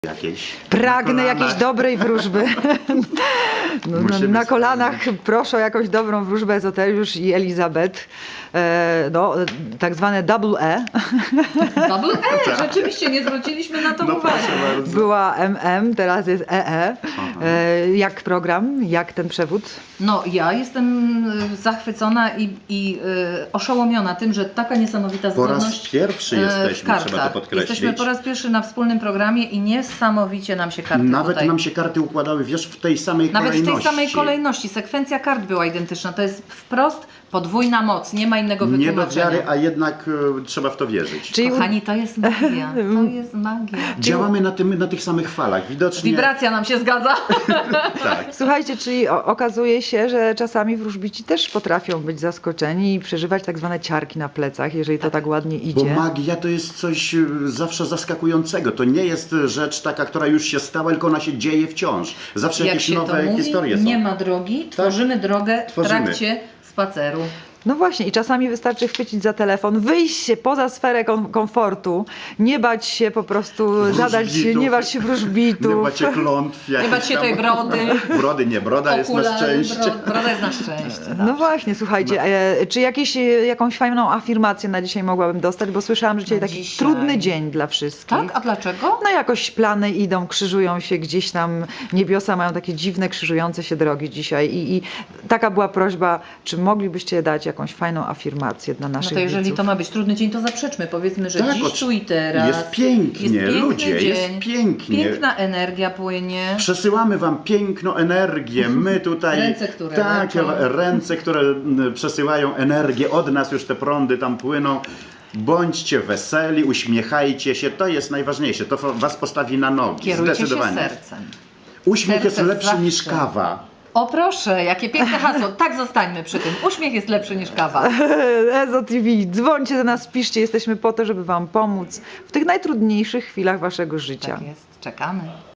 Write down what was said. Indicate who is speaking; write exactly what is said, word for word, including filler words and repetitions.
Speaker 1: Jakieś.
Speaker 2: Pragnę
Speaker 1: Na
Speaker 2: jakiejś
Speaker 1: kolanach.
Speaker 2: dobrej wróżby. No, na,
Speaker 1: Musimy
Speaker 2: na kolanach
Speaker 1: spełnić.
Speaker 2: proszę o jakąś dobrą wróżbę Ezoteriusz i Elizabeth. E, no, tak zwane double E.
Speaker 3: Double E, rzeczywiście nie zwróciliśmy na to
Speaker 1: No
Speaker 3: uwagi.
Speaker 1: proszę bardzo.
Speaker 2: Była M M, teraz jest E E.
Speaker 1: Aha.
Speaker 2: E, jak program, jak ten przewód?
Speaker 3: No ja jestem y, zachwycona i, i y, oszołomiona tym, że taka niesamowita
Speaker 1: Po raz
Speaker 3: zdolność
Speaker 1: pierwszy
Speaker 3: y, w
Speaker 1: jesteśmy,
Speaker 3: kartach.
Speaker 1: trzeba to podkreślić.
Speaker 3: Jesteśmy po raz pierwszy na wspólnym programie i niesamowicie nam się karty
Speaker 1: Nawet
Speaker 3: tutaj...
Speaker 1: nam się karty układały, wiesz, w tej samej
Speaker 3: Nawet w
Speaker 1: kolejności.
Speaker 3: tej samej kolejności. Sekwencja kart była identyczna. To jest wprost podwójna moc. Nie ma innego
Speaker 1: Nie do
Speaker 3: wytłumaczenia.
Speaker 1: wiary, a jednak e, trzeba w to wierzyć.
Speaker 2: Czyli
Speaker 3: Kochani, to jest magia. To jest magia.
Speaker 1: Działamy na, tym, na tych samych falach. Widocznie.
Speaker 3: Wibracja nam się zgadza.
Speaker 1: Tak.
Speaker 2: słuchajcie, czyli o, okazuje się, że czasami wróżbici też potrafią być zaskoczeni i przeżywać tak zwane ciarki na plecach, jeżeli to tak ładnie
Speaker 1: Bo
Speaker 2: idzie.
Speaker 1: magia to jest coś e, zawsze zaskakującego. To nie jest rzecz taka, która już się stała, tylko ona się dzieje wciąż. Zawsze
Speaker 3: Jak
Speaker 1: jakieś
Speaker 3: się
Speaker 1: nowe
Speaker 3: to mówi,
Speaker 1: historie są.
Speaker 3: nie ma drogi, tworzymy drogę
Speaker 1: Tworzymy.
Speaker 3: w trakcie spaceru.
Speaker 2: No właśnie, i czasami wystarczy chwycić za telefon, wyjść się poza sferę kom komfortu, nie bać się po prostu zadać,
Speaker 1: Wróżbitów.
Speaker 2: nie bać się wróżbitów.
Speaker 1: Nie bać się klątw.
Speaker 3: Nie
Speaker 1: jakichś
Speaker 3: bać się
Speaker 1: tam-
Speaker 3: tej brody.
Speaker 1: Brody nie, broda jest na
Speaker 3: Okulary,
Speaker 1: szczęście.
Speaker 3: bro- broda jest na szczęście.
Speaker 2: No
Speaker 3: tak.
Speaker 2: właśnie, słuchajcie, e, czy jakieś, e, jakąś fajną afirmację na dzisiaj mogłabym dostać, bo słyszałam, że dzisiaj
Speaker 3: Na
Speaker 2: taki
Speaker 3: dzisiaj.
Speaker 2: trudny dzień dla wszystkich.
Speaker 3: Tak? A dlaczego?
Speaker 2: No jakoś plany idą, krzyżują się gdzieś tam, niebiosa mają takie dziwne, krzyżujące się drogi dzisiaj i, i taka była prośba, czy moglibyście dać jakąś fajną afirmację dla
Speaker 3: No
Speaker 2: naszych
Speaker 3: to jeżeli
Speaker 2: widzów?
Speaker 3: to ma być trudny dzień, to zaprzeczmy. Powiedzmy, że
Speaker 1: Tak,
Speaker 3: dziś,
Speaker 1: oczy-
Speaker 3: tu i teraz.
Speaker 1: Jest pięknie,
Speaker 3: jest piękny
Speaker 1: ludzie,
Speaker 3: dzień,
Speaker 1: jest pięknie.
Speaker 3: Piękna energia płynie.
Speaker 1: Przesyłamy wam piękną energię. My tutaj.
Speaker 3: Ręce, które
Speaker 1: Tak,
Speaker 3: leczą.
Speaker 1: ręce, które mm, przesyłają energię. Od nas już te prądy tam płyną. Bądźcie weseli, uśmiechajcie się. To jest najważniejsze. To was postawi na nogi.
Speaker 3: Kierujcie się
Speaker 1: Zdecydowanie.
Speaker 3: sercem.
Speaker 1: Uśmiech jest
Speaker 3: Serce
Speaker 1: lepszy
Speaker 3: zawsze.
Speaker 1: niż kawa.
Speaker 3: O proszę, jakie piękne hasło. Tak zostańmy przy tym. Uśmiech jest lepszy niż kawa.
Speaker 2: Ezo T V, dzwońcie do nas, piszcie, jesteśmy po to, żeby wam pomóc w tych najtrudniejszych chwilach waszego życia.
Speaker 3: Tak jest. Czekamy.